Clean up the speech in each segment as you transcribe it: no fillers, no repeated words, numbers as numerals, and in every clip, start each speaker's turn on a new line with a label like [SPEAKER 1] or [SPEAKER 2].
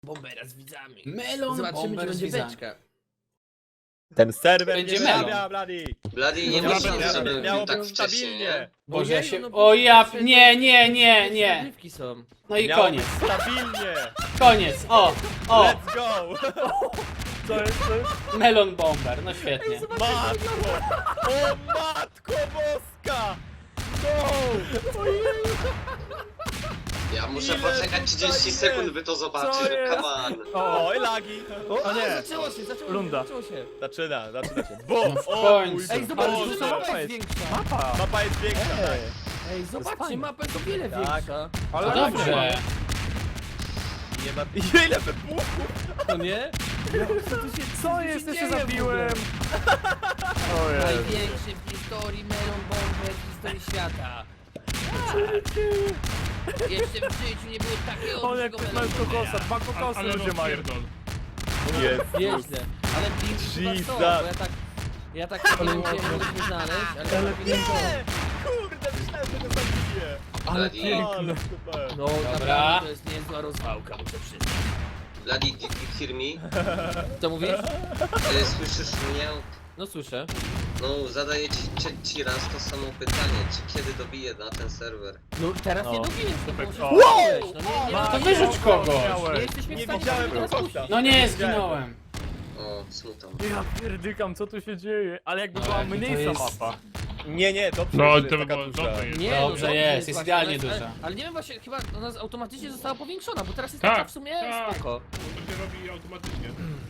[SPEAKER 1] Bombera z widzami.
[SPEAKER 2] Melon
[SPEAKER 1] Zobaczymy, czy
[SPEAKER 2] bomber z
[SPEAKER 1] będzie
[SPEAKER 2] widzami.
[SPEAKER 1] beczka.
[SPEAKER 3] Ten serwer
[SPEAKER 2] Będzie
[SPEAKER 3] nie
[SPEAKER 2] melon.
[SPEAKER 3] wyrabia, Bloody.
[SPEAKER 4] Bloody nie
[SPEAKER 2] No
[SPEAKER 4] myśli,
[SPEAKER 2] dobra,
[SPEAKER 4] żeby
[SPEAKER 3] miało
[SPEAKER 4] tak
[SPEAKER 3] być
[SPEAKER 4] wcześnie,
[SPEAKER 3] stabilnie.
[SPEAKER 4] nie?
[SPEAKER 2] Boże, ja się...
[SPEAKER 1] no,
[SPEAKER 2] O ja...
[SPEAKER 1] przecież
[SPEAKER 2] Nie.
[SPEAKER 1] Zagrywki są.
[SPEAKER 2] No i
[SPEAKER 3] Miało
[SPEAKER 2] koniec.
[SPEAKER 3] być stabilnie.
[SPEAKER 2] Koniec. O.
[SPEAKER 3] Let's go. Co jest?
[SPEAKER 2] Melon bomber. No świetnie.
[SPEAKER 3] Matko. O matko boska. Go.
[SPEAKER 4] Ja muszę
[SPEAKER 3] Ile
[SPEAKER 4] poczekać 30
[SPEAKER 3] tutaj
[SPEAKER 4] sekund,
[SPEAKER 3] jest?
[SPEAKER 4] by to
[SPEAKER 3] Co
[SPEAKER 4] zobaczyć.
[SPEAKER 3] jest?
[SPEAKER 4] Come on.
[SPEAKER 3] O, i lagi. O nie.
[SPEAKER 1] Zaczęło się.
[SPEAKER 3] Runda.
[SPEAKER 1] Zaczęło się.
[SPEAKER 3] Zaczyna się. Bum.
[SPEAKER 2] No w
[SPEAKER 3] O
[SPEAKER 2] końcu.
[SPEAKER 3] mój
[SPEAKER 1] Ej, zobacz,
[SPEAKER 3] Boże.
[SPEAKER 1] że mapa jest większa.
[SPEAKER 3] Mapa jest większa, tak.
[SPEAKER 1] Ej, zobaczcie,
[SPEAKER 3] fajne.
[SPEAKER 1] mapa jest o wiele
[SPEAKER 3] Tak.
[SPEAKER 1] większa.
[SPEAKER 2] No dobrze.
[SPEAKER 3] Nie ma... Ile wybuchów?
[SPEAKER 1] To nie?
[SPEAKER 3] Co jest? Ja się zabiłem. O Jezu.
[SPEAKER 1] Największy w historii melon bomber w historii świata. Jeszcze w życiu nie było takiego
[SPEAKER 3] O, jak
[SPEAKER 1] dużego
[SPEAKER 3] mają
[SPEAKER 1] melon
[SPEAKER 3] kokosa,
[SPEAKER 1] bombera.
[SPEAKER 3] 2 kokosy ludzie mają. Jest.
[SPEAKER 1] Nieźle. Ale Pink chyba
[SPEAKER 3] Jesus.
[SPEAKER 1] to, bo ja tak nie wiem, gdzie mogliśmy znaleźć, ale
[SPEAKER 3] Nie! Kurde, myślałem, że go zabiję.
[SPEAKER 4] Ale
[SPEAKER 3] piękne. Super.
[SPEAKER 1] no
[SPEAKER 2] Dobra.
[SPEAKER 1] naprawdę to jest niezła rozwałka, muszę przyznać.
[SPEAKER 4] Bloody, did you hear me?
[SPEAKER 1] Co mówisz?
[SPEAKER 4] Słyszysz mnie?
[SPEAKER 1] No słyszę.
[SPEAKER 4] No, zadaję ci raz to samo pytanie. Czy kiedy dobiję na ten serwer?
[SPEAKER 1] No teraz
[SPEAKER 3] No.
[SPEAKER 1] nie dobijesz, no bo
[SPEAKER 3] Super.
[SPEAKER 1] musisz
[SPEAKER 3] O.
[SPEAKER 1] wow! No nie,
[SPEAKER 2] To wyrzuć kogoś.
[SPEAKER 1] nie jesteśmy w
[SPEAKER 3] Nie
[SPEAKER 1] stanie
[SPEAKER 3] widziałem
[SPEAKER 1] tego teraz
[SPEAKER 3] kogosa.
[SPEAKER 1] puścić.
[SPEAKER 2] No nie, zginąłem.
[SPEAKER 4] O, smutno.
[SPEAKER 3] Ja pierdykam, co tu się dzieje? Ale jakby
[SPEAKER 2] No,
[SPEAKER 3] była
[SPEAKER 2] jakby to
[SPEAKER 3] mniejsza
[SPEAKER 2] jest-
[SPEAKER 3] mapa. Nie, dobrze,
[SPEAKER 5] No,
[SPEAKER 3] że
[SPEAKER 5] to by
[SPEAKER 3] taka
[SPEAKER 5] było
[SPEAKER 3] duża.
[SPEAKER 5] dobre jest.
[SPEAKER 1] Nie,
[SPEAKER 2] Dobrze
[SPEAKER 1] no,
[SPEAKER 2] jest, jest
[SPEAKER 1] właśnie,
[SPEAKER 2] idealnie
[SPEAKER 1] ale-
[SPEAKER 2] duża.
[SPEAKER 1] Ale nie wiem właśnie, chyba ona automatycznie została powiększona, bo teraz jest
[SPEAKER 5] Tak,
[SPEAKER 1] taka w sumie
[SPEAKER 5] tak.
[SPEAKER 1] spoko.
[SPEAKER 5] To się robi automatycznie.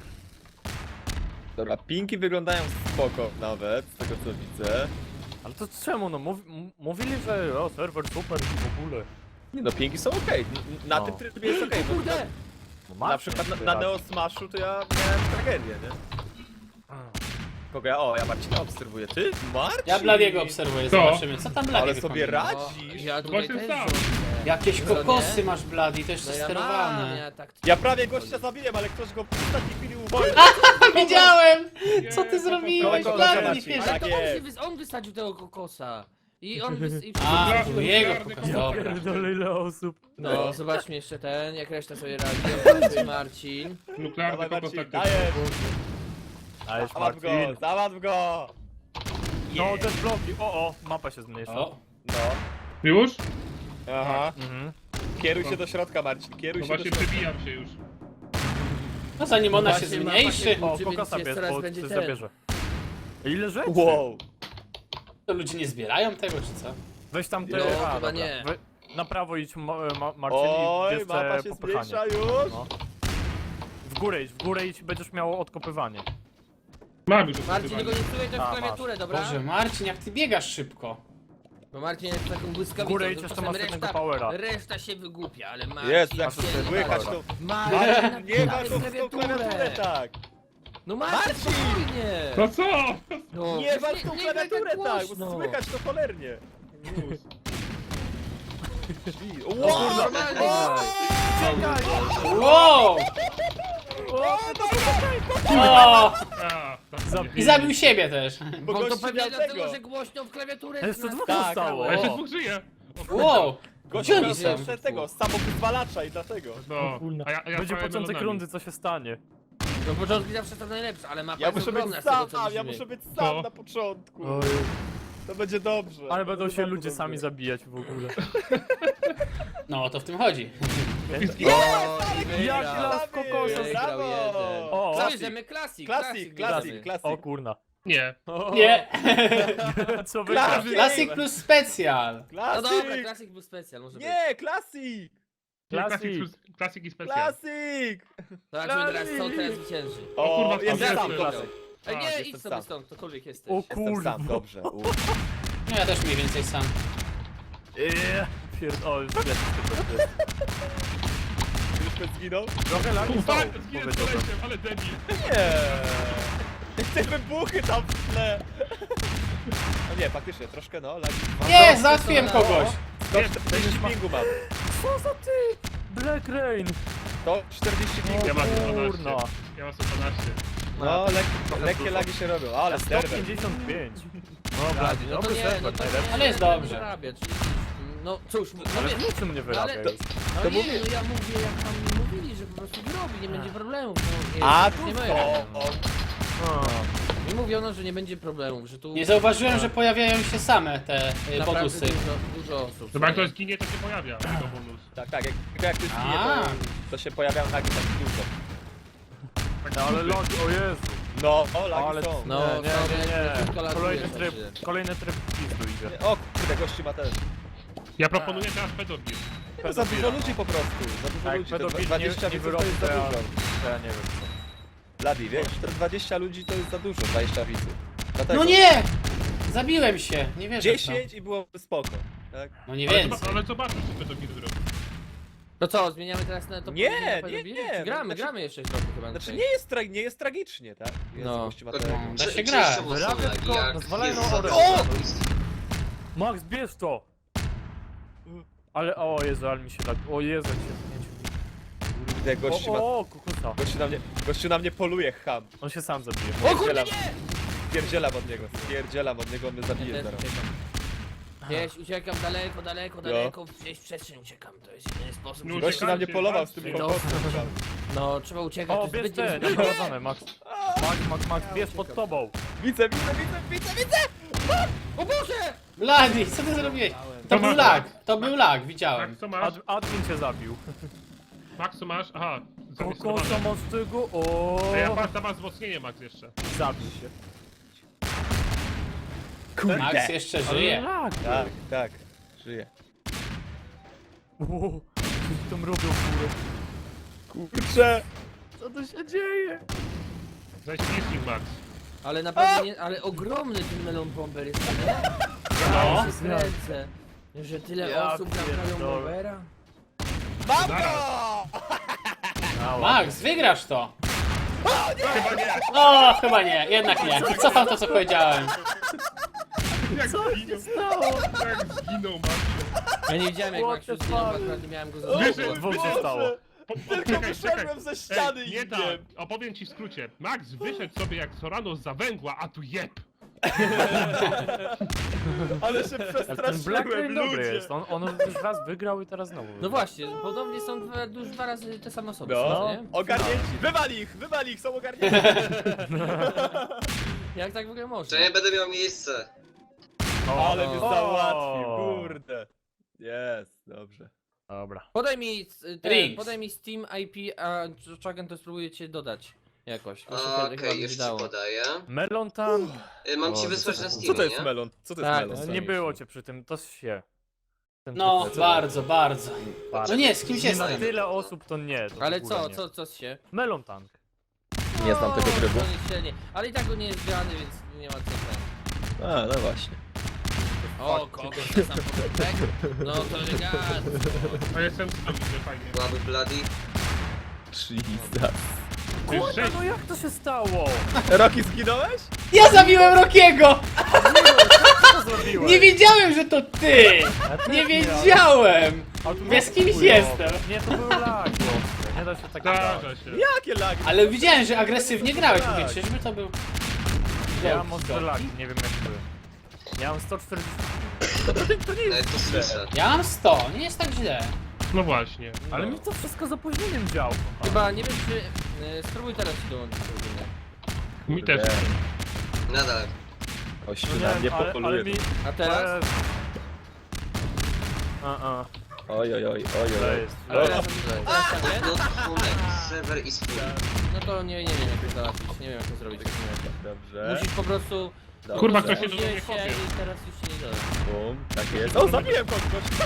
[SPEAKER 3] Dobra, pinki wyglądają spoko nawet, z tego co widzę.
[SPEAKER 6] Ale to czemu? No mówili, że o, serwer super i w ogóle.
[SPEAKER 3] Nie no, pinki są okej. Na
[SPEAKER 6] No.
[SPEAKER 3] tym trybie jest okej. bo
[SPEAKER 1] Kurde!
[SPEAKER 6] No,
[SPEAKER 3] na przykład na Neo Smashu to ja miałem tragedię, nie? Kogo ja? O, ja Marcina obserwuję. Ty? Marcin?
[SPEAKER 2] Ja Bladiego obserwuję,
[SPEAKER 5] Co?
[SPEAKER 2] zobaczymy. Co tam Blady
[SPEAKER 3] Ale sobie
[SPEAKER 2] wykombinuje?
[SPEAKER 3] radzisz.
[SPEAKER 1] Ja tutaj
[SPEAKER 5] właśnie
[SPEAKER 1] też
[SPEAKER 5] sam.
[SPEAKER 1] rządzę.
[SPEAKER 2] Jakieś
[SPEAKER 1] Co
[SPEAKER 2] kokosy
[SPEAKER 1] nie?
[SPEAKER 2] masz Blady, to jeszcze
[SPEAKER 1] No ja mam,
[SPEAKER 2] sterowane.
[SPEAKER 1] ja tak...
[SPEAKER 3] Ja prawie gościa zabiłem, ale ktoś go w ostatniej chwili uwolnił.
[SPEAKER 2] Widziałem! Co ty zrobiłeś,
[SPEAKER 3] Kolega
[SPEAKER 2] Blady?
[SPEAKER 3] Marcin.
[SPEAKER 2] Nie wierzę.
[SPEAKER 1] Ale
[SPEAKER 3] Tak
[SPEAKER 1] to
[SPEAKER 3] jest.
[SPEAKER 1] on wysadził tego kokosa. I on i
[SPEAKER 2] A,
[SPEAKER 5] Miliardy,
[SPEAKER 2] był jego
[SPEAKER 5] miliardy
[SPEAKER 2] kokos,
[SPEAKER 5] kokosów.
[SPEAKER 2] dobra.
[SPEAKER 6] Pierdolę ile osób.
[SPEAKER 1] No, zobaczmy jeszcze ten, jak reszta sobie radzi. Marcin.
[SPEAKER 5] Nuklearny
[SPEAKER 3] Dawaj
[SPEAKER 5] kokos
[SPEAKER 3] Marcin,
[SPEAKER 5] taktyczny.
[SPEAKER 3] dajesz.
[SPEAKER 6] Ależ
[SPEAKER 3] Załatw go,
[SPEAKER 6] Marcin.
[SPEAKER 3] załatw go.
[SPEAKER 6] No te bloki, o, mapa się zmniejsza.
[SPEAKER 2] O,
[SPEAKER 3] No,
[SPEAKER 5] Już?
[SPEAKER 3] aha.
[SPEAKER 6] Mhm.
[SPEAKER 3] Kieruj się do środka, Marcin, kieruj
[SPEAKER 5] No
[SPEAKER 3] się do
[SPEAKER 5] właśnie
[SPEAKER 3] środka.
[SPEAKER 5] przebijam się już.
[SPEAKER 2] no zanim ona się
[SPEAKER 1] Właśnie mapa
[SPEAKER 2] zmniejszy,
[SPEAKER 1] się-
[SPEAKER 6] O,
[SPEAKER 1] Czy
[SPEAKER 6] kokosa
[SPEAKER 1] więc
[SPEAKER 6] pies,
[SPEAKER 1] coraz
[SPEAKER 6] bo
[SPEAKER 1] będzie
[SPEAKER 6] coś
[SPEAKER 1] ten.
[SPEAKER 6] zabierze. Ile rzeczy?
[SPEAKER 3] Wow.
[SPEAKER 2] to ludzie nie zbierają tego, czy co?
[SPEAKER 6] Weź tam te...
[SPEAKER 1] No,
[SPEAKER 6] a,
[SPEAKER 1] chyba
[SPEAKER 6] dobra.
[SPEAKER 1] nie.
[SPEAKER 6] Na prawo idź Marcin i
[SPEAKER 3] Oj,
[SPEAKER 6] bierz
[SPEAKER 3] mapa
[SPEAKER 6] te
[SPEAKER 3] się
[SPEAKER 6] popychanie.
[SPEAKER 3] zmniejsza już.
[SPEAKER 6] No. W górę idź, będziesz miał odkopywanie.
[SPEAKER 5] Mam już
[SPEAKER 1] Marcin,
[SPEAKER 5] odkrywanie.
[SPEAKER 1] tego nie wpływać
[SPEAKER 6] A,
[SPEAKER 1] w klawiaturę, dobra?
[SPEAKER 2] Boże, Marcin, jak ty biegasz szybko.
[SPEAKER 1] Bo Marcin jest taką
[SPEAKER 6] W
[SPEAKER 1] błyskawicą.
[SPEAKER 6] górę idź,
[SPEAKER 1] to
[SPEAKER 6] jeszcze
[SPEAKER 1] czasem
[SPEAKER 6] masz jednego powera.
[SPEAKER 1] Reszta się wygłupia, ale Marcin...
[SPEAKER 3] Jest, jak
[SPEAKER 1] się
[SPEAKER 3] to słychać to...
[SPEAKER 1] Marcin,
[SPEAKER 3] Nie ma
[SPEAKER 1] napisałeś
[SPEAKER 3] to w tą klawiaturę tak.
[SPEAKER 1] No Marcin, spokojnie!
[SPEAKER 5] No co?
[SPEAKER 1] No,
[SPEAKER 3] Nie ma w tą
[SPEAKER 1] nie graj
[SPEAKER 3] klawiaturę tak, bo
[SPEAKER 1] głośno.
[SPEAKER 3] słychać to cholernie.
[SPEAKER 5] Już.
[SPEAKER 1] O kurde, normalnie graj.
[SPEAKER 2] Wow! O!
[SPEAKER 5] A,
[SPEAKER 2] I zabił siebie też.
[SPEAKER 3] Bo
[SPEAKER 1] Bo to
[SPEAKER 3] gościu
[SPEAKER 1] pewnie
[SPEAKER 3] miał
[SPEAKER 1] dlatego,
[SPEAKER 3] tego.
[SPEAKER 1] że głośno w klawiaturę
[SPEAKER 6] Jeszcze dwóch
[SPEAKER 3] Tak,
[SPEAKER 6] zostało.
[SPEAKER 5] a jeszcze
[SPEAKER 6] O.
[SPEAKER 5] dwóch żyje.
[SPEAKER 2] Wow!
[SPEAKER 3] Gościu
[SPEAKER 2] Gdzie
[SPEAKER 3] miał
[SPEAKER 2] oni są?
[SPEAKER 3] jeszcze tego, samowyzwalacza i dlatego.
[SPEAKER 5] No,
[SPEAKER 6] Kurna.
[SPEAKER 5] a ja
[SPEAKER 6] Będzie
[SPEAKER 5] prawie
[SPEAKER 6] początek
[SPEAKER 5] melonami.
[SPEAKER 6] rundy, co się stanie.
[SPEAKER 1] No początki zawsze są najlepsze, ale mapa
[SPEAKER 3] Ja
[SPEAKER 1] jest
[SPEAKER 3] muszę
[SPEAKER 1] ogromna
[SPEAKER 3] być
[SPEAKER 1] z tego,
[SPEAKER 3] sam,
[SPEAKER 1] co
[SPEAKER 3] ja
[SPEAKER 1] widzimy.
[SPEAKER 3] muszę być sam
[SPEAKER 5] Co?
[SPEAKER 3] na początku.
[SPEAKER 6] Oj.
[SPEAKER 3] To będzie dobrze.
[SPEAKER 6] Ale będą
[SPEAKER 3] To
[SPEAKER 6] się
[SPEAKER 3] bardzo
[SPEAKER 6] ludzie
[SPEAKER 3] dobrze.
[SPEAKER 6] sami zabijać w ogóle.
[SPEAKER 2] No, o to w tym chodzi.
[SPEAKER 6] Jak las kokosa.
[SPEAKER 3] Brawo!
[SPEAKER 6] O,
[SPEAKER 1] Co bierzemy? Klasik,
[SPEAKER 3] Klasik,
[SPEAKER 1] bierzemy.
[SPEAKER 3] klasik.
[SPEAKER 6] O kurna.
[SPEAKER 5] Nie.
[SPEAKER 2] Nie!
[SPEAKER 6] Co wygra?
[SPEAKER 3] Klasik.
[SPEAKER 2] Klasik plus specjal.
[SPEAKER 1] No dobra,
[SPEAKER 3] Klasik!
[SPEAKER 1] klasik był specjal, może być.
[SPEAKER 3] Nie, klasik!
[SPEAKER 5] Klasik i specjal.
[SPEAKER 3] Klasik!
[SPEAKER 1] Zobaczymy teraz, co teraz zwycięży.
[SPEAKER 5] O kurwa,
[SPEAKER 3] O, jest
[SPEAKER 5] tam
[SPEAKER 3] sam,
[SPEAKER 5] jest.
[SPEAKER 3] klasik.
[SPEAKER 1] Ej,
[SPEAKER 5] Tak,
[SPEAKER 1] nie,
[SPEAKER 3] jestem
[SPEAKER 1] idź sobie
[SPEAKER 3] sam.
[SPEAKER 1] stąd, ktokolwiek jesteś.
[SPEAKER 6] O
[SPEAKER 3] Jestem
[SPEAKER 6] kurwa.
[SPEAKER 3] sam, dobrze.
[SPEAKER 2] No ja też mniej więcej sam.
[SPEAKER 6] Pierdol.
[SPEAKER 3] Już ktoś zginął?
[SPEAKER 6] Trochę lagi są,
[SPEAKER 5] Fuck, zginę z
[SPEAKER 6] powiedziałbym.
[SPEAKER 5] kolesiem, ale debil.
[SPEAKER 3] Nie! Te wybuchy tam w tle! No nie, faktycznie, troszkę no, lagi.
[SPEAKER 2] Nie, załatwiłem kogoś.
[SPEAKER 3] 140 pingu mam.
[SPEAKER 6] Co za ty? Black Rain.
[SPEAKER 3] To 40 pingu.
[SPEAKER 5] Ja mam 12.
[SPEAKER 6] Kurna.
[SPEAKER 5] Ja mam 12.
[SPEAKER 3] No, lekkie lagi się robią, ale serwer.
[SPEAKER 6] 155.
[SPEAKER 1] No,
[SPEAKER 6] Blady,
[SPEAKER 1] no to
[SPEAKER 6] dobry
[SPEAKER 1] nie,
[SPEAKER 6] serwer,
[SPEAKER 1] no to
[SPEAKER 6] najlepszy.
[SPEAKER 1] nie.
[SPEAKER 2] Ale jest dobrze.
[SPEAKER 1] Zarabiać. No cóż, no
[SPEAKER 6] Ale
[SPEAKER 1] wiesz,
[SPEAKER 6] w niczym nie wyrabia
[SPEAKER 1] ale-
[SPEAKER 6] już.
[SPEAKER 1] no
[SPEAKER 3] to
[SPEAKER 1] nie,
[SPEAKER 3] mówię-
[SPEAKER 1] no ja mówię jak tam mówili, że po prostu wyrobi, nie będzie problemów. No, nie,
[SPEAKER 3] A
[SPEAKER 1] to
[SPEAKER 3] tu
[SPEAKER 1] nie moja
[SPEAKER 3] to!
[SPEAKER 1] rada. Mi mówiono, że nie będzie problemów, że tu...
[SPEAKER 2] Nie zauważyłem, że pojawiają się same te
[SPEAKER 1] naprawdę
[SPEAKER 2] bonusy.
[SPEAKER 1] dużo osób.
[SPEAKER 5] Chyba jak ktoś zginie, to się pojawia jako bonus.
[SPEAKER 3] Tak, jak ty zginie,
[SPEAKER 2] A.
[SPEAKER 3] to się pojawiają nagi tak dużo.
[SPEAKER 6] No ale logi, o Jezu.
[SPEAKER 3] No, o, lagi
[SPEAKER 6] Ale
[SPEAKER 3] są.
[SPEAKER 1] No, kilka lat
[SPEAKER 6] Kolejny
[SPEAKER 1] jest
[SPEAKER 6] tryb,
[SPEAKER 1] właśnie.
[SPEAKER 6] kolejny tryb pizdu idzie.
[SPEAKER 3] O kurde, gości ma też.
[SPEAKER 5] Ja proponuję teraz pedofil.
[SPEAKER 3] Za dużo ludzi po prostu. Za dużo
[SPEAKER 6] Tak,
[SPEAKER 3] ludzi. To
[SPEAKER 6] pedofil
[SPEAKER 3] 20
[SPEAKER 6] nie
[SPEAKER 3] widzów to jest za
[SPEAKER 6] wyrobi,
[SPEAKER 3] dużo.
[SPEAKER 6] to ja nie wiem co.
[SPEAKER 3] Ladi, wiesz, te 20 ludzi to jest za dużo, 20 widzów. Dlatego
[SPEAKER 2] No nie! Zabiłem się, nie wierzę w to.
[SPEAKER 3] 10 i byłoby spoko. Tak?
[SPEAKER 2] No nie
[SPEAKER 5] Ale,
[SPEAKER 2] więcej.
[SPEAKER 5] ale zobaczmy, czy pedofil zrobi.
[SPEAKER 1] No co, zmieniamy teraz na to?
[SPEAKER 3] Nie,
[SPEAKER 1] powiedzenie na
[SPEAKER 3] nie,
[SPEAKER 1] pedofili?
[SPEAKER 3] nie,
[SPEAKER 1] Czy gramy,
[SPEAKER 3] znaczy-
[SPEAKER 1] gramy jeszcze trochę chyba.
[SPEAKER 3] Znaczy
[SPEAKER 1] dzisiaj.
[SPEAKER 3] nie jest tragicznie, tak? Jest,
[SPEAKER 1] No.
[SPEAKER 3] gości ma
[SPEAKER 4] No,
[SPEAKER 3] tego.
[SPEAKER 2] Da się
[SPEAKER 4] Czy-
[SPEAKER 2] grać.
[SPEAKER 4] czy są
[SPEAKER 6] Wyrabia
[SPEAKER 4] lagi,
[SPEAKER 6] tylko-
[SPEAKER 4] jak
[SPEAKER 6] nazwalają
[SPEAKER 4] jest
[SPEAKER 6] orę.
[SPEAKER 4] zabójstwo?
[SPEAKER 6] Max, bierz to! Ale, o Jezu, ale mi się tak, o Jezu, jak się
[SPEAKER 3] Kurde, gości ma...
[SPEAKER 6] o, kukusa.
[SPEAKER 3] Gościu na mnie poluje, ham.
[SPEAKER 6] On się sam zabije.
[SPEAKER 1] O kurde,
[SPEAKER 3] Spierdzielam od niego, on mnie
[SPEAKER 1] Ja
[SPEAKER 3] zabije
[SPEAKER 1] też
[SPEAKER 3] zaraz.
[SPEAKER 1] uciekam. Gdzieś uciekam daleko, gdzieś w przestrzeń uciekam, to jest jedyny sposób.
[SPEAKER 5] No,
[SPEAKER 1] żeby-
[SPEAKER 3] Gościu na mnie polował z tym
[SPEAKER 5] Ej,
[SPEAKER 3] kokosem.
[SPEAKER 1] No, trzeba uciekać,
[SPEAKER 6] O,
[SPEAKER 1] to
[SPEAKER 6] bierz
[SPEAKER 1] jest
[SPEAKER 6] te,
[SPEAKER 1] zbyt
[SPEAKER 6] naprowadzone, Max. Max, bierz pod tobą.
[SPEAKER 3] Widzę!
[SPEAKER 1] O Boże!
[SPEAKER 2] Blady, co ty zrobiłeś? To był lag, widziałem.
[SPEAKER 5] Max, co masz?
[SPEAKER 6] Admin cię zabił.
[SPEAKER 5] Max, co masz? Aha,
[SPEAKER 6] Kokosa
[SPEAKER 5] zarejestrowane.
[SPEAKER 6] masz tego, o.
[SPEAKER 5] A ja tam masz wzmocnienie, Max, jeszcze.
[SPEAKER 6] Zabij się.
[SPEAKER 2] Max jeszcze
[SPEAKER 6] Ale
[SPEAKER 2] żyje.
[SPEAKER 6] lag.
[SPEAKER 3] Tak, żyje.
[SPEAKER 6] O, co ci tam robią, kurę?
[SPEAKER 3] Kurczę!
[SPEAKER 6] Co tu się dzieje?
[SPEAKER 5] Zaś licznik, Max.
[SPEAKER 1] Ale naprawdę nie, ale ogromny ten melon bomber jest, nie?
[SPEAKER 2] No.
[SPEAKER 1] Ja się kręcę, że tyle
[SPEAKER 6] Ja
[SPEAKER 1] osób naprawią
[SPEAKER 6] pierdolę.
[SPEAKER 1] bombera.
[SPEAKER 3] Mam go!
[SPEAKER 2] Max, wygrasz to.
[SPEAKER 5] Chyba nie.
[SPEAKER 2] O, chyba nie, jednak nie. Cofam to, co powiedziałem.
[SPEAKER 5] Jak zginął. Jak zginął, Max.
[SPEAKER 1] Ja nie widziałem jak
[SPEAKER 6] What
[SPEAKER 1] Maxiu
[SPEAKER 6] the
[SPEAKER 1] zginął,
[SPEAKER 6] fuck?
[SPEAKER 1] akurat nie miałem go za
[SPEAKER 5] Wyszedł,
[SPEAKER 6] Dwóch się stało.
[SPEAKER 5] Czekaj,
[SPEAKER 3] ze ściany
[SPEAKER 5] nie tak, opowiem ci w skrócie. Max wyszedł sobie jak Sorano za węgła, a tu jeb.
[SPEAKER 3] Ale się
[SPEAKER 6] Ale ten Black Rain dobry jest. On już raz wygrał i teraz znowu
[SPEAKER 1] No
[SPEAKER 6] wygrał.
[SPEAKER 1] właśnie, podobnie są już dwa razy te same osoby,
[SPEAKER 3] No,
[SPEAKER 1] nie?
[SPEAKER 3] ogarnięci. Wywal ich, są ogarnięci.
[SPEAKER 1] Jak tak w ogóle można?
[SPEAKER 4] Że nie będę miał miejsce.
[SPEAKER 3] Ale mnie
[SPEAKER 6] O.
[SPEAKER 3] załatwił, kurde. Jest, dobrze.
[SPEAKER 6] Dobra.
[SPEAKER 1] Podaj mi Steam IP, a Chagan to spróbuję cię dodać jakoś. To się
[SPEAKER 4] Okej,
[SPEAKER 1] chyba będzie
[SPEAKER 4] już ci
[SPEAKER 1] dało.
[SPEAKER 4] podaję.
[SPEAKER 6] Melon Tank.
[SPEAKER 4] Mam ci
[SPEAKER 6] O,
[SPEAKER 4] wysłać na
[SPEAKER 3] Co
[SPEAKER 4] Steamie,
[SPEAKER 3] to jest
[SPEAKER 4] nie?
[SPEAKER 3] melon? Co to
[SPEAKER 1] Tak,
[SPEAKER 3] jest melon?
[SPEAKER 1] to
[SPEAKER 6] Nie było cię przy tym, to się. Ten
[SPEAKER 2] No,
[SPEAKER 6] typ-
[SPEAKER 2] bardzo, bardzo.
[SPEAKER 6] bardzo.
[SPEAKER 2] No nie, z kimś
[SPEAKER 6] Nie
[SPEAKER 2] jestem.
[SPEAKER 6] na tyle osób to nie. To
[SPEAKER 1] Ale
[SPEAKER 6] w ogóle
[SPEAKER 1] co,
[SPEAKER 6] nie.
[SPEAKER 1] co się?
[SPEAKER 6] Melon Tank.
[SPEAKER 3] Nie znam tego trybu.
[SPEAKER 1] to nie średnie. Ale i tak go nie jest grany, więc nie ma co ten.
[SPEAKER 3] A, no właśnie.
[SPEAKER 1] O, kogoś na sam początek? No to elegancko.
[SPEAKER 5] A jestem że fajnie.
[SPEAKER 4] Słaby Bloody.
[SPEAKER 3] Jesus.
[SPEAKER 6] Kurwa, no jak to się stało?
[SPEAKER 3] Rocky, zginąłeś?
[SPEAKER 2] Ja zabiłem Rockiego!
[SPEAKER 6] Co zrobiłeś?
[SPEAKER 2] Nie wiedziałem, że to ty!
[SPEAKER 6] Ja też
[SPEAKER 2] Nie
[SPEAKER 6] miałem.
[SPEAKER 2] wiedziałem!
[SPEAKER 6] A tu
[SPEAKER 2] Ja z kimś
[SPEAKER 6] chujowe.
[SPEAKER 2] jestem.
[SPEAKER 6] Nie, to były lagi ostre. Nie da się tak grać.
[SPEAKER 5] Zdarza się.
[SPEAKER 3] Jakie lagi?
[SPEAKER 2] Ale widziałem, że agresywnie grałeś.
[SPEAKER 3] Tak.
[SPEAKER 2] Mówię, czyżby to był...
[SPEAKER 6] Ja mam
[SPEAKER 2] Joke,
[SPEAKER 6] ostre
[SPEAKER 2] joke.
[SPEAKER 6] lagi, nie wiem jak były. Ja mam 140.
[SPEAKER 4] Nawet to słyszę.
[SPEAKER 2] Ja mam 100, nie jest tak źle.
[SPEAKER 5] No właśnie.
[SPEAKER 6] Ale mi to wszystko z opóźnieniem działo.
[SPEAKER 1] Chyba, nie wiem czy... spróbuj teraz się dołączyć.
[SPEAKER 5] Mi też.
[SPEAKER 4] Nadal.
[SPEAKER 3] Gościu
[SPEAKER 6] No
[SPEAKER 3] na
[SPEAKER 6] nie,
[SPEAKER 3] mnie
[SPEAKER 6] ale
[SPEAKER 3] popoluje.
[SPEAKER 6] mi...
[SPEAKER 1] A teraz?
[SPEAKER 3] Oj, oj, oj, oj,
[SPEAKER 6] To
[SPEAKER 3] oj.
[SPEAKER 6] jest.
[SPEAKER 1] Ale teraz nie?
[SPEAKER 4] No funek, serwer is full.
[SPEAKER 1] No to nie wiem jak to załatwić, nie wiem jak to zrobić.
[SPEAKER 3] Dobrze.
[SPEAKER 1] Musisz po prostu...
[SPEAKER 3] Dobrze.
[SPEAKER 5] Kurwa, ktoś się do
[SPEAKER 1] Użyłeś
[SPEAKER 5] mnie kopie.
[SPEAKER 1] i teraz już się nie da.
[SPEAKER 3] Bum, tak jest. O, zabiłem kogoś!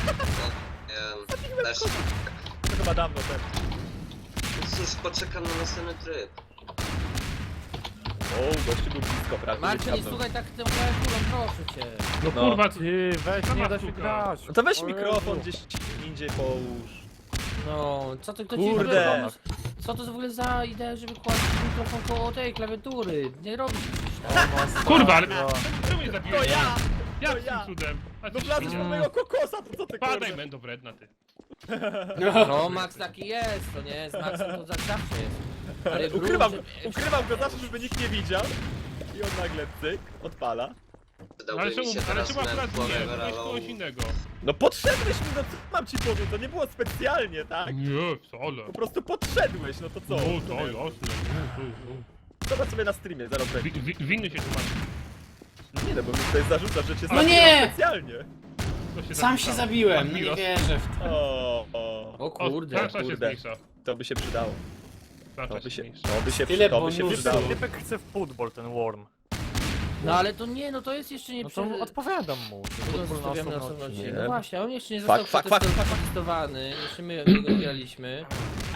[SPEAKER 4] Też.
[SPEAKER 3] To chyba dawno też.
[SPEAKER 4] Cóż, poczekam na następny tryb.
[SPEAKER 3] O, gościu był blisko, prawie.
[SPEAKER 1] Marcin, nie
[SPEAKER 3] dawno.
[SPEAKER 1] słuchaj tak tym klawiaturą, proszę cię.
[SPEAKER 5] No
[SPEAKER 3] No.
[SPEAKER 5] kurwa,
[SPEAKER 6] Ty, weź, nie da się grać.
[SPEAKER 3] No to weź
[SPEAKER 6] O
[SPEAKER 3] mikrofon
[SPEAKER 6] Jezu.
[SPEAKER 3] gdzieś indziej połóż.
[SPEAKER 1] No, co to kto ci
[SPEAKER 3] Kurde.
[SPEAKER 1] w ogóle pomysł? Co to w ogóle za idea, żeby kłaść mikrofon koło tej klawiatury? Nie robisz przecież tak.
[SPEAKER 5] kurwa, ale czemu nie zabiłeś?
[SPEAKER 3] To ja!
[SPEAKER 5] Jak
[SPEAKER 3] ja.
[SPEAKER 5] tym cudem? A
[SPEAKER 3] No
[SPEAKER 5] ty
[SPEAKER 3] wlazłeś
[SPEAKER 5] świnia.
[SPEAKER 3] do mojego kokosa, to co ty
[SPEAKER 5] Padaj,
[SPEAKER 3] kurde?
[SPEAKER 5] mendo wredna ty.
[SPEAKER 1] No, Max taki jest, to nie? Z Maxem to zawsze jest. Ale
[SPEAKER 3] Ukrywam
[SPEAKER 1] gruncie-
[SPEAKER 3] go zawsze, żeby nikt nie widział. I on nagle cyk, odpala.
[SPEAKER 2] No,
[SPEAKER 4] Przydałby mi się teraz
[SPEAKER 5] czemu akurat
[SPEAKER 4] Man
[SPEAKER 5] nie?
[SPEAKER 4] Forever
[SPEAKER 5] Weź
[SPEAKER 4] Alone.
[SPEAKER 5] kogoś innego.
[SPEAKER 3] No podszedłeś mi, no co mam ci powiedzieć, to nie było specjalnie, tak?
[SPEAKER 5] Nie, wcale.
[SPEAKER 3] Po prostu podszedłeś, no to co?
[SPEAKER 5] No to jasne.
[SPEAKER 3] Zobacz sobie na streamie, zaraz będzie.
[SPEAKER 5] Winny się tłumaczy.
[SPEAKER 3] Nie no, bo mi tutaj zarzucasz, że cię
[SPEAKER 2] No nie!
[SPEAKER 3] zabiłem specjalnie.
[SPEAKER 5] To się
[SPEAKER 2] Sam się
[SPEAKER 5] zapisało.
[SPEAKER 2] zabiłem, no nie
[SPEAKER 5] Admiros.
[SPEAKER 2] wierzę w to.
[SPEAKER 1] O kurde.
[SPEAKER 5] Tarcza się
[SPEAKER 3] kurde.
[SPEAKER 5] zmniejsza.
[SPEAKER 3] To by się przydało.
[SPEAKER 5] Tarcza
[SPEAKER 3] To by
[SPEAKER 5] się
[SPEAKER 3] się,
[SPEAKER 5] zmniejsza.
[SPEAKER 2] Tyle
[SPEAKER 3] to by się
[SPEAKER 2] bonusów.
[SPEAKER 3] przydało.
[SPEAKER 6] Typek chce w football, ten worm.
[SPEAKER 1] No ale to nie, no to jest jeszcze nie
[SPEAKER 6] No to odpowiadam mu.
[SPEAKER 1] To zostawiamy na
[SPEAKER 6] osobno
[SPEAKER 1] osobno
[SPEAKER 6] odcinek.
[SPEAKER 1] odcinek. No właśnie, on jeszcze nie
[SPEAKER 3] Fuck,
[SPEAKER 1] został
[SPEAKER 3] fuck, fuck,
[SPEAKER 1] przetestowany. Jeszcze my go graliśmy.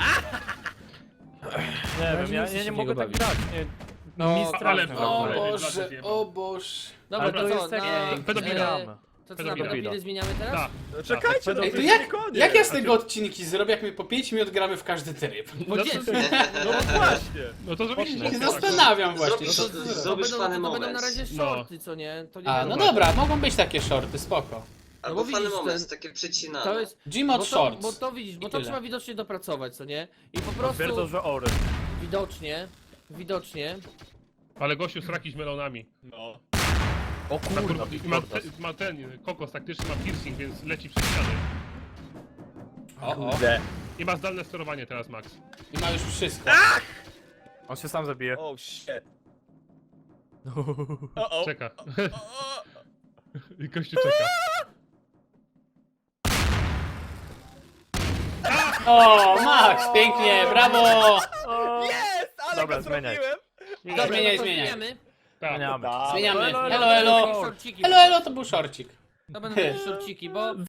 [SPEAKER 6] Nie
[SPEAKER 1] razie
[SPEAKER 6] wiem,
[SPEAKER 1] nie
[SPEAKER 6] ja
[SPEAKER 1] chcę się
[SPEAKER 6] nie
[SPEAKER 1] w
[SPEAKER 6] mogę
[SPEAKER 1] niego
[SPEAKER 6] tak
[SPEAKER 1] bawić.
[SPEAKER 6] grać, nie.
[SPEAKER 1] No,
[SPEAKER 6] Mi
[SPEAKER 5] ale-
[SPEAKER 6] strasznie
[SPEAKER 2] O
[SPEAKER 5] Ale-
[SPEAKER 2] Boże, o Boże.
[SPEAKER 1] Dobra,
[SPEAKER 6] Ale to
[SPEAKER 1] to
[SPEAKER 6] jest
[SPEAKER 1] co,
[SPEAKER 6] jak
[SPEAKER 1] na...
[SPEAKER 5] pedofila.
[SPEAKER 1] To co, na
[SPEAKER 5] Pedofila.
[SPEAKER 1] pedofilę zmieniamy teraz?
[SPEAKER 5] Tak.
[SPEAKER 3] No czekajcie, no
[SPEAKER 2] Ej,
[SPEAKER 3] to
[SPEAKER 2] to
[SPEAKER 3] jest
[SPEAKER 2] jak,
[SPEAKER 3] koniec.
[SPEAKER 2] jak ja z tego odcinki zrobię, jak my po 5 minut gramy w każdy tryb?
[SPEAKER 1] Bo
[SPEAKER 5] No
[SPEAKER 1] dzień.
[SPEAKER 5] to-
[SPEAKER 3] No właśnie.
[SPEAKER 5] No to zrobiliście.
[SPEAKER 2] Się zastanawiam właśnie.
[SPEAKER 4] Zrobisz,
[SPEAKER 2] co to
[SPEAKER 4] zrobisz fany
[SPEAKER 1] To będą na
[SPEAKER 4] moment.
[SPEAKER 1] razie
[SPEAKER 5] No.
[SPEAKER 1] shorty, co nie? To nie
[SPEAKER 2] A,
[SPEAKER 1] będą-
[SPEAKER 2] no dobra, mogą być takie shorty, spoko.
[SPEAKER 4] Albo
[SPEAKER 1] bo
[SPEAKER 4] fany
[SPEAKER 1] widzisz,
[SPEAKER 4] moment,
[SPEAKER 1] ten-
[SPEAKER 4] takie przycinane.
[SPEAKER 1] To jest...
[SPEAKER 2] Gmod Shorts.
[SPEAKER 1] Bo to widzisz, bo
[SPEAKER 2] I
[SPEAKER 1] to
[SPEAKER 2] tyle.
[SPEAKER 1] trzeba widocznie dopracować, co nie? I po
[SPEAKER 6] Twierdzą,
[SPEAKER 1] prostu
[SPEAKER 6] że ory.
[SPEAKER 1] widocznie.
[SPEAKER 5] Ale gościu sraki z melonami.
[SPEAKER 3] No.
[SPEAKER 6] O kurwa,
[SPEAKER 5] I ma ten kokos taktyczny, ma piercing, więc leci przez ściany.
[SPEAKER 2] O, o.
[SPEAKER 3] Kurde.
[SPEAKER 5] I ma zdalne sterowanie teraz, Max.
[SPEAKER 2] I ma już wszystko.
[SPEAKER 6] On się sam zabije.
[SPEAKER 3] Oh shit. O, o.
[SPEAKER 5] Czeka.
[SPEAKER 3] O,
[SPEAKER 5] I gościu czeka.
[SPEAKER 2] O, Max, pięknie, brawo!
[SPEAKER 3] Jest, ale
[SPEAKER 6] Dobra,
[SPEAKER 3] go
[SPEAKER 6] zmieniaj.
[SPEAKER 3] zrobiłem.
[SPEAKER 2] Dobra, zmieniaj,
[SPEAKER 1] to
[SPEAKER 2] zmieniaj.
[SPEAKER 1] zmieniamy.
[SPEAKER 5] Tak.
[SPEAKER 6] Zmieniamy.
[SPEAKER 3] Tak.
[SPEAKER 2] Zmieniamy.
[SPEAKER 6] Elo,
[SPEAKER 2] Elo, elo.
[SPEAKER 1] Shortciki
[SPEAKER 2] Elo, elo, to był shortcik.
[SPEAKER 1] To będą takie shortciki, bo